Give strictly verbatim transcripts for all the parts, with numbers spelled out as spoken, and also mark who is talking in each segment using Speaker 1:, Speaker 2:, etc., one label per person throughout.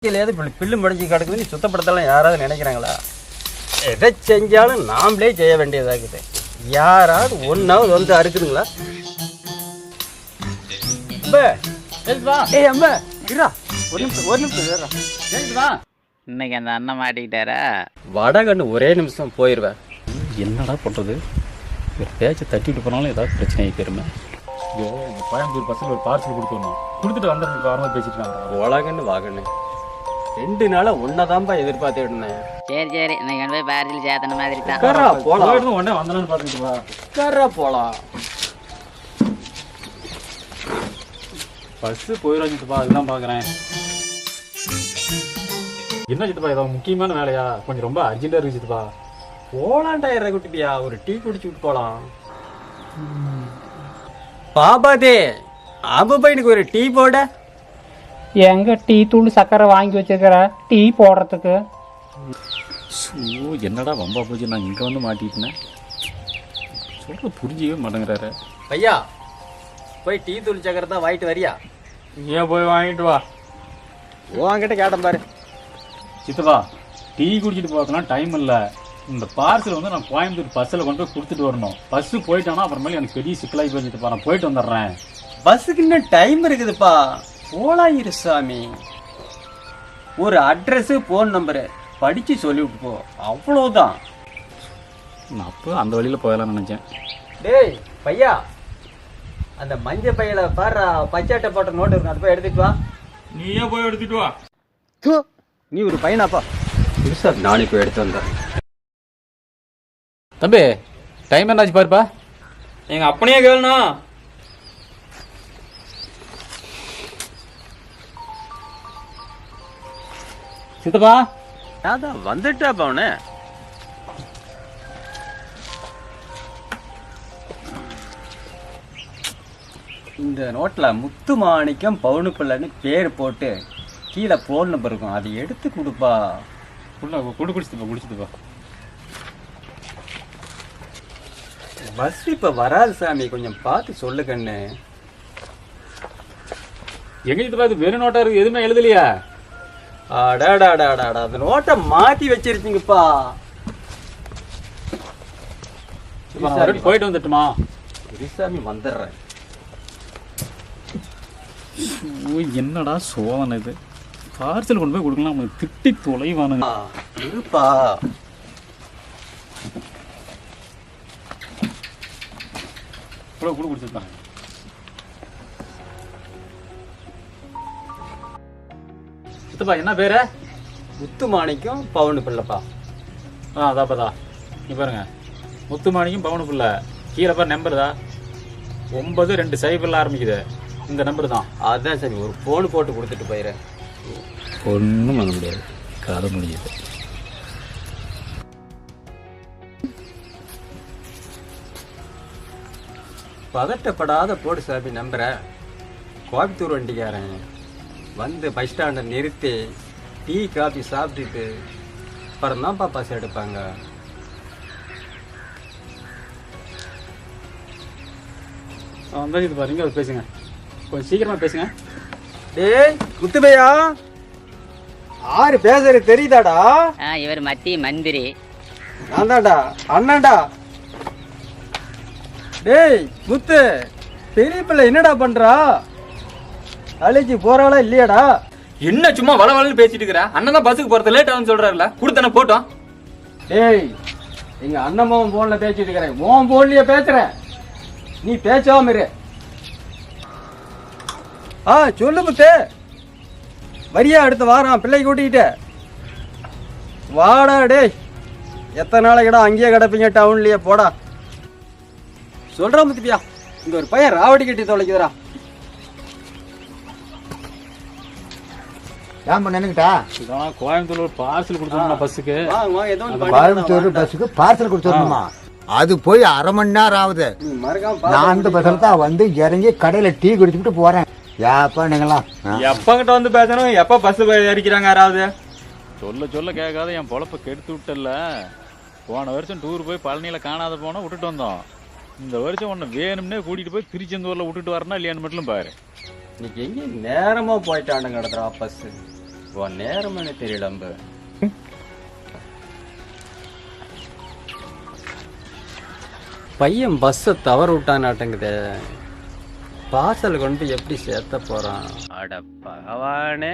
Speaker 1: ஏதாவது பில்லு முடிஞ்சு கிடக்குது சுத்தப்படுத்தலாம் யாராவது நினைக்கிறாங்களா? எதை செஞ்சாலும் நாமளே செய்ய வேண்டியதாகுது. யாராவது ஒன்றாவது வந்து அறுக்குதுங்களா? ஏய் அம்மா இருடா, ஒரு நிமிஷம் ஒரு நிமிஷம்
Speaker 2: இன்னைக்கு அந்த அண்ணன் மாட்டிக்கிட்டாரா?
Speaker 1: வடகண்ணு ஒரே நிமிஷம் போயிடுவேன்.
Speaker 3: என்னடா பண்ணுறது? ஒரு பேச்சை தட்டிட்டு போனாலும் ஏதாவது பிரச்சனை ஆகிக்கிறமே. ஐயோ, இந்த கோயம்புத்தூர் பசங்க ஒரு பார்சல் கொடுத்துடணும், கொடுத்துட்டு வந்து காரணமாக பேசிட்டு
Speaker 1: உலகன்னு வாகன்னு ரெண்டு நாளா ஒன்னதான்பா எதிர்பார்த்துட்டு இருந்தேன்.
Speaker 2: சரி சரி, இன்னைக்கு கொண்டு போய் பார்சல் சேர்த்தன மாதிரி தான்.
Speaker 1: உட்காரா போலாம்,
Speaker 3: உடனே வந்தலான்னு பார்த்துட்டு வா.
Speaker 1: உட்காரா போலாம்.
Speaker 3: பஸ்ஸு போயிடும் சித்தப்பா, அதுதான் பார்க்குறேன். என்ன சித்தப்பா, ஏதாவது முக்கியமான வேலையா? கொஞ்சம் ரொம்ப அர்ஜென்ட்டாக இருக்கு சித்தப்பா.
Speaker 1: போலாண்டா இற குட்டிப்பியா, ஒரு டீ குடிச்சு விட்டு போலாம். பாபாதே ஆபா, எனக்கு ஒரு டீ போட.
Speaker 4: எங்க டீ தூள் சக்கரை வாங்கி வச்சிருக்கிற டீ போடுறதுக்கு?
Speaker 3: ஸோ என்னடா வம்பா போச்சு, நான் இங்கே வந்து மாட்டிட்டேன். சொல்ல புரிஞ்சிக்கவே மாட்டேங்கிறாரு.
Speaker 1: ஐயா போய் டீ தூள் சக்கரை தான் வாங்கிட்டு வரியா?
Speaker 3: ஏன் போய் வாங்கிட்டு வா.
Speaker 1: உன்கிட்ட கேட்டேன் பாரு.
Speaker 3: சித்தப்பா, டீ குடிச்சிட்டு போகலாம் டைம் இல்லை. இந்த பார்சல் வந்து நான் கோயம்புத்தூர் பஸ்ஸில் கொண்டு போய் கொடுத்துட்டு வரணும். பஸ்ஸு போயிட்டானா அப்புறமேலே எனக்கு பெரிய சிக்கலாகி போய் சித்தப்பா, நான் போயிட்டு வந்துடுறேன்.
Speaker 1: பஸ்ஸுக்கு இன்னும் டைம் இருக்குதுப்பா, போலாம் இரு சாமி. ஒரு அட்ரஸு ஃபோன் நம்பரு படித்து சொல்லிவிட்டு போ, அவ்வளோதான்.
Speaker 3: நான் அப்போ அந்த வழியில் போயலாம்னு நினச்சேன்.
Speaker 1: டேய் பையா, அந்த மஞ்சள் பையில பாரு பச்சாட்டை போட்ட நோட்டு இருக்கும், அதை போய் எடுத்துட்டு வா.
Speaker 3: நீயே போய் எடுத்துட்டு வா.
Speaker 1: நீ ஒரு பையனாப்பா? புதுசா நானே போய் எடுத்து வந்தேன்.
Speaker 3: தம்பி, டைம் என்னாச்சு பாருப்பா.
Speaker 5: எங்க அப்பனையே கேளுண்ணா.
Speaker 3: சித்தப்பா
Speaker 1: அதான் வந்துட்டாப்பா அவனு. இந்த நோட்ல முத்து மாணிக்கம் பவுனு பிள்ளைன்னு பேர் போட்டு கீழே போன் நம்பர் இருக்கும், அதை எடுத்து கொடுப்பா.
Speaker 3: உள்ள குடு குடிச்சுப்பா குடிச்சுப்பா.
Speaker 1: பஸ் இப்ப வராது சாமி, கொஞ்சம் பார்த்து சொல்லு கண்ணு.
Speaker 3: எங்க சித்தப்பா இது வெறும் நோட்டா இருக்கு, எதுவுமே எழுதலையா?
Speaker 1: அடாடாடாடா, அந்த நோட்டை மாத்தி வச்சிருக்கீங்கப்பா.
Speaker 3: போயிட்டு வந்துட்டுமா?
Speaker 1: சாமி வந்துடுறேன்.
Speaker 3: என்னடா சோதனை இது? பார்சல் கொண்டு போய் கொடுக்கலாம், அவங்க திட்டி தொலைவானுங்க.
Speaker 1: இருப்பா.
Speaker 3: கூட கூட குடிச்சிருப்பாங்க. சித்தப்பா என்ன பேரு?
Speaker 1: முத்து மாணிக்கம் பவுனு பிள்ளைப்பா.
Speaker 3: ஆ அதாப்பதா, நீ பாருங்க, முத்துமாணிக்கும் பவுனு பிள்ளை. கீழே பாரு நம்பர் தான், ஒன்பது ரெண்டு சைபரில் ஆரம்பிக்குது. இந்த நம்பர் தான்.
Speaker 1: அதான் சரி, ஒரு ஃபோன் போட்டு கொடுத்துட்டு போயிடுறேன்.
Speaker 3: ஒன்றும் பண்ண முடியாது, கதை முடியுது.
Speaker 1: பதட்டப்படாத போடு சாமி நம்புற. கோயம்புத்தூர் வண்டிக்காரன் வந்து பஸ் ஸ்டாண்டை நிறுத்தி டீ காஃபி சாப்பிட்டுட்டு அப்புறம் தான்ப்பா பஸ் எடுப்பாங்க.
Speaker 3: வந்தால் இது பாருங்க, அது பேசுங்க, கொஞ்சம் சீக்கிரமா பேசுங்க.
Speaker 1: டேய் முத்துபையா, ஆறு பேசுறது தெரியுதாடா?
Speaker 2: இவர் மத்திய மந்திரி.
Speaker 1: நான் தான்டா அண்ணாண்டா. டேய் முத்து, பெரிய பிள்ளை என்னடா பண்றா? காலேஜ் போறாளா இல்லையாடா?
Speaker 5: என்ன சும்மா வள வளன்னு பேசிட்டு இருக்கிற? அண்ணன் தான் பஸ்ஸுக்கு போறது லேட் ஆகுன்னு சொல்றாருல, கொடுத்தன போட்டோம்.
Speaker 1: டேய், எங்க அண்ணன் போன்ல பேசிட்டு இருக்கிறேன், உன் போன்லயே பேசுறேன், நீ பேசாம இரு. ஆ சொல்லு முத்து, வரியா அடுத்த வாரம் பிள்ளை கூட்டிக்கிட்டு வாடா. டேய் எத்தனை நாளைக்கடா அங்கேயே கிடப்பீங்க டவுன்லயே? போடா. சொல்றா முத்துப்பியா, இங்க ஒரு பையன் ராவடி கட்டி தொலைக்குதுடா.
Speaker 6: ஏன் நினைக்கிட்டா?
Speaker 3: இதான் கோயம்புத்தூர் ஒரு பார்சல் கொடுத்துருமா பஸ்ஸுக்கு.
Speaker 1: வாங்க வாங்க, ஏதோ ஒன்று
Speaker 6: கோயம்புத்தூர் பஸ்ஸுக்கு பார்சல் கொடுத்துடணுமா? அது போய் அரை மணி நேரம் ஆகுது.
Speaker 1: மறக்காம
Speaker 6: நான் அந்த பஸ்ஸில் தான் வந்து இறங்கி கடையில் டீ குடிச்சுட்டு போறேன். ஏப்பா நீங்களா
Speaker 5: எப்பங்கிட்ட வந்து பேசணும், எப்ப பஸ் அடிக்கிறாங்க யாராவது?
Speaker 3: சொல்ல சொல்ல கேட்காத என் பொழப்ப கெடுத்து விட்டல. போன வருஷம் டூர் போய் பழனியில் காணாத போனால் விட்டுட்டு வந்தோம். இந்த வருஷம் உன்னை வேணும்னே கூட்டிகிட்டு போய் திருச்செந்தூரில் விட்டுட்டு வரனா இல்லையான்னு மட்டும் பாரு.
Speaker 1: இன்னைக்கு எங்கே நேரமாக போயிட்டானுங்க நடத்துகிறா பஸ்ஸு. உன் நேரம்னு தெரியல அம்பு. பையன் பஸ்ஸை தவற விட்டானாட்டங்குதே. பார்சல் கொண்டு போய் எப்படி சேர்த்த போறான்? அட பகவானே.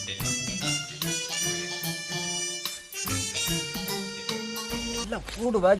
Speaker 1: பூடு